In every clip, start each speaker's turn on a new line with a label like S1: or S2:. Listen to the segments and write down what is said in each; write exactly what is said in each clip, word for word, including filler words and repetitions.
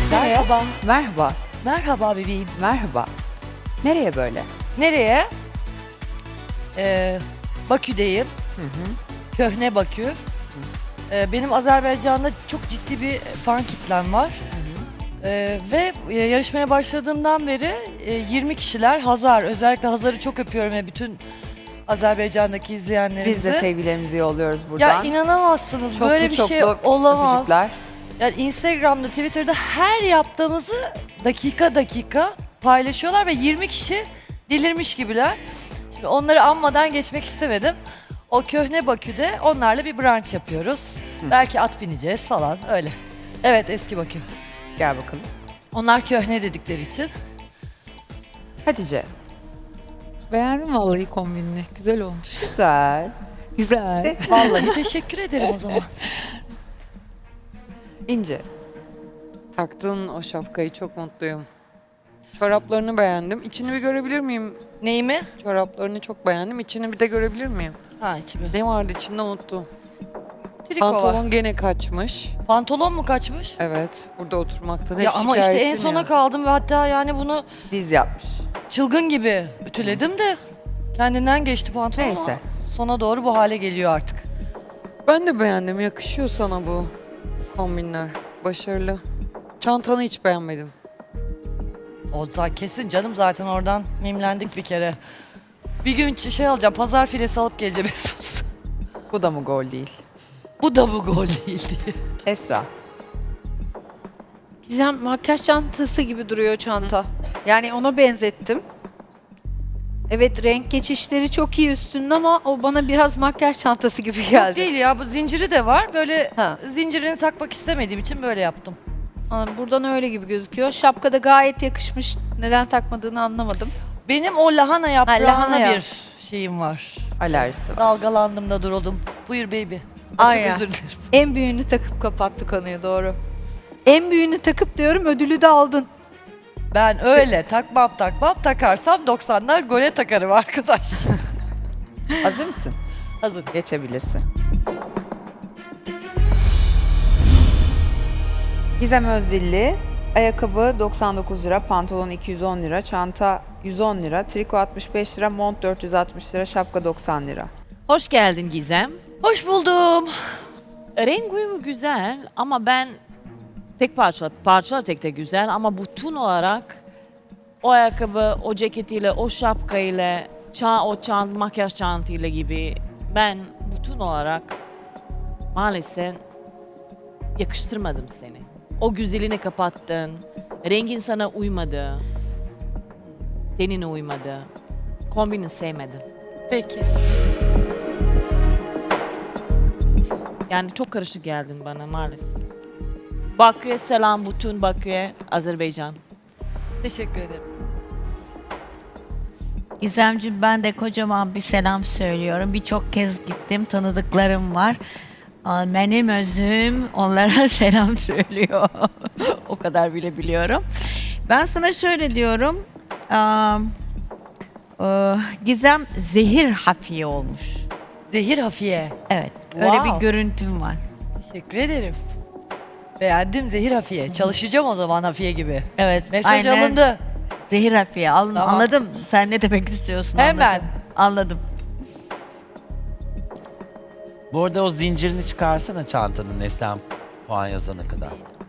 S1: güzel.
S2: Merhaba.
S1: Merhaba.
S2: Merhaba bebeğim.
S1: Merhaba. Nereye böyle?
S2: Nereye? Ee, Bakü'deyim.
S1: Hı hı.
S2: Köhne Bakü. Ee, benim Azerbaycan'da çok ciddi bir fan kitlem var. Ee, ve e, yarışmaya başladığımdan beri e, yirmi kişiler Hazar. Özellikle Hazar'ı çok öpüyorum ve bütün Azerbaycan'daki izleyenlerimizi.
S1: Biz de sevgilerimizi yolluyoruz buradan.
S2: Ya inanamazsınız,
S1: Çoklu
S2: böyle bir
S1: çoklu
S2: şey olamaz.
S1: öpücükler.
S2: Yani Instagram'da, Twitter'da her yaptığımızı dakika dakika paylaşıyorlar ve yirmi kişi delirmiş gibiler. Şimdi onları anmadan geçmek istemedim. O Köhne Bakü'de onlarla bir brunch yapıyoruz.
S1: Hı.
S2: Belki at bineceğiz falan öyle. Evet, eski Bakü.
S1: Gel bakalım.
S2: Onlar köhne dedikleri için.
S1: Hatice.
S3: Beğendim vallahi kombinini. Güzel olmuş.
S1: Güzel.
S3: Güzel.
S2: Vallahi teşekkür ederim o zaman.
S1: İnce.
S4: Taktığın o şapkayı çok mutluyum. Çoraplarını beğendim. İçini bir görebilir miyim?
S2: Neyimi?
S4: Çoraplarını çok beğendim. İçini bir de görebilir miyim?
S2: Ha, içimi.
S4: Ne vardı içinde unuttum.
S2: Triko var.
S4: Pantolon gene kaçmış.
S2: Pantolon mu kaçmış?
S4: Evet. Burada oturmaktan hep
S2: Ya ama işte en
S4: şikayetim
S2: sona
S4: ya.
S2: kaldım ve hatta yani bunu
S1: Diz yapmış.
S2: çılgın gibi ütüledim de kendinden geçti pantolon.
S1: Neyse.
S2: ama Sona doğru bu hale geliyor artık.
S4: Ben de beğendim. Yakışıyor sana bu kombinler. Başarılı. Çantanı hiç beğenmedim.
S2: O zaten kesin canım, zaten oradan mimlendik bir kere. Bir gün şey alacağım, pazar filesi alıp geleceğim Mesut.
S1: Bu da mı gol değil?
S2: Bu da bu gol değildi.
S1: Esra.
S3: Gizem makyaj çantası gibi duruyor çanta. Yani ona benzettim. Evet, renk geçişleri çok iyi üstünde ama o bana biraz makyaj çantası gibi
S2: Yok
S3: geldi.
S2: değil ya, bu zinciri de var. Böyle
S3: Ha.
S2: zincirini takmak istemediğim için böyle yaptım.
S3: Anladım, buradan öyle gibi gözüküyor. Şapka da gayet yakışmış. Neden takmadığını anlamadım.
S2: Benim o lahana yaprağına
S3: lahana ya.
S2: bir şeyim var.
S1: Alerjisi var.
S2: Dalgalandım da duruldum. Buyur baby. Ay,
S3: Aynen.
S2: Çok özür dilerim.
S3: En büyüğünü takıp kapattı konuyu, doğru. En büyüğünü takıp diyorum, ödülü de aldın.
S2: Ben öyle takmam takmam, takarsam doksanlar gole takarım arkadaş.
S1: Hazır mısın?
S2: Hazır.
S1: Geçebilirsin. Gizem Özdilli. Ayakkabı doksan dokuz lira, pantolon iki yüz on lira, çanta yüz on lira, triko altmış beş lira, mont dört yüz altmış lira, şapka doksan lira.
S5: Hoş geldin Gizem.
S2: Hoş buldum.
S5: Renk uyumu güzel ama ben tek parça, parçalar tek tek güzel ama bütün olarak o ayakkabı, o ceketiyle, o şapkayla, ça o çant, makyaj çantayla gibi ben bütün olarak maalesef yakıştırmadım seni. O güzelini kapattın, rengin sana uymadı, tenine uymadı, kombini sevmedim.
S2: Peki.
S5: Yani çok karışık geldin bana maalesef. Bakü'ye selam, bütün Bakü'ye, Azerbaycan.
S2: Teşekkür ederim.
S6: Gizemciğim, ben de kocaman bir selam söylüyorum. Birçok kez gittim, tanıdıklarım var. Aa, benim özüm onlara selam söylüyor. O kadar bile biliyorum. Ben sana şöyle diyorum. Aa, e, Gizem zehir hafiye olmuş.
S2: Zehir Hafiye.
S6: Evet, öyle
S2: Wow.
S6: bir görüntüm var.
S2: Teşekkür ederim. Beğendim Zehir Hafiye. Çalışacağım o zaman Hafiye gibi.
S6: Evet,
S2: Mesaj
S6: aynen.
S2: alındı.
S6: Zehir hafiye. Al-
S2: Tamam.
S6: Anladım. Sen ne demek istiyorsun?
S2: Hemen.
S6: Anladım. Anladım.
S7: Bu arada o zincirini çıkarsana çantanın Neslihan puan yazana kadar.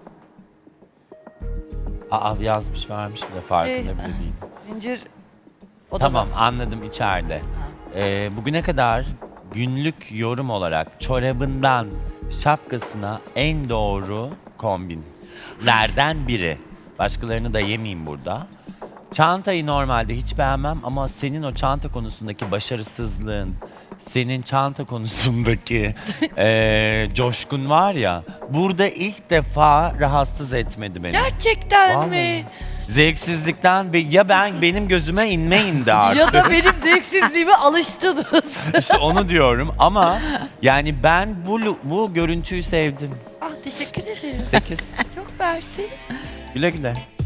S7: Aa yazmış vermiş bile farkında
S2: Ee,
S7: bile değil.
S2: Zincir odada.
S7: Tamam anladım içeride. Ee, bugüne kadar günlük yorum olarak çorabından şapkasına en doğru kombinlerden biri. Başkalarını da yemeyeyim burada. Çantayı normalde hiç beğenmem ama senin o çanta konusundaki başarısızlığın, senin çanta konusundaki eee, coşkun var ya, burada ilk defa rahatsız etmedi beni.
S2: Gerçekten
S7: Vallahi.
S2: mi?
S7: Zevksizlikten be- ya ben benim gözüme inme indi artık.
S2: Ya da benim zevksizliğime alıştınız.
S7: İşte onu diyorum ama yani ben bu bu görüntüyü sevdim.
S2: Ah, teşekkür ederim.
S7: sekiz.
S2: Çok mersi.
S7: Güle güle.